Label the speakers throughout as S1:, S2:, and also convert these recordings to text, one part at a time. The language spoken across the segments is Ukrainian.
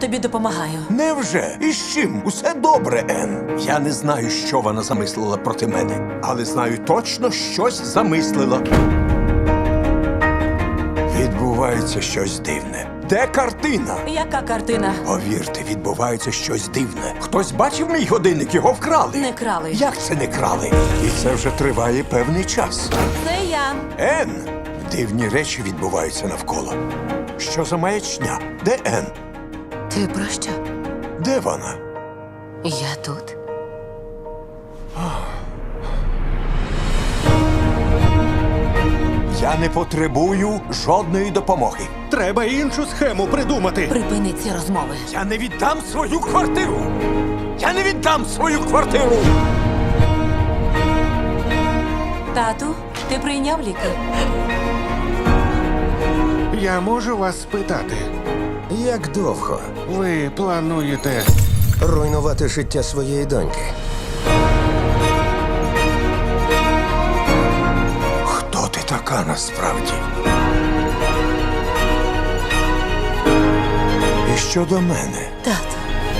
S1: тобі допомагаю.
S2: Невже? І з чим? Усе добре, Ен. Я не знаю, що вона замислила проти мене, але знаю точно, щось замислила. Відбувається щось дивне. Де картина?
S1: Яка картина?
S2: Повірте, відбувається щось дивне. Хтось бачив мій годинник, його вкрали.
S1: Не крали.
S2: Як це не крали? І це вже триває певний час.
S1: Це я.
S2: Ен! Дивні речі відбуваються навколо. Що за маячня? Де Ен?
S1: Ти про що?
S2: Де вона?
S1: Я тут.
S2: Я не потребую жодної допомоги.
S3: Треба іншу схему придумати.
S1: Припини ці розмови.
S2: Я не віддам свою квартиру! Я не віддам свою квартиру!
S1: Тату, ти прийняв ліки?
S3: Я можу вас спитати.
S4: Як довго
S3: Ви плануєте.
S4: руйнувати життя своєї доньки?
S2: Хто ти така насправді? І щодо мене,
S1: Тату.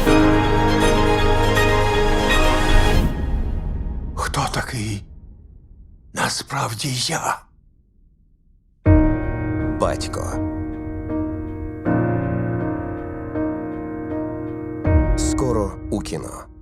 S2: хто такий насправді я?
S4: Батько. Скоро у кіно.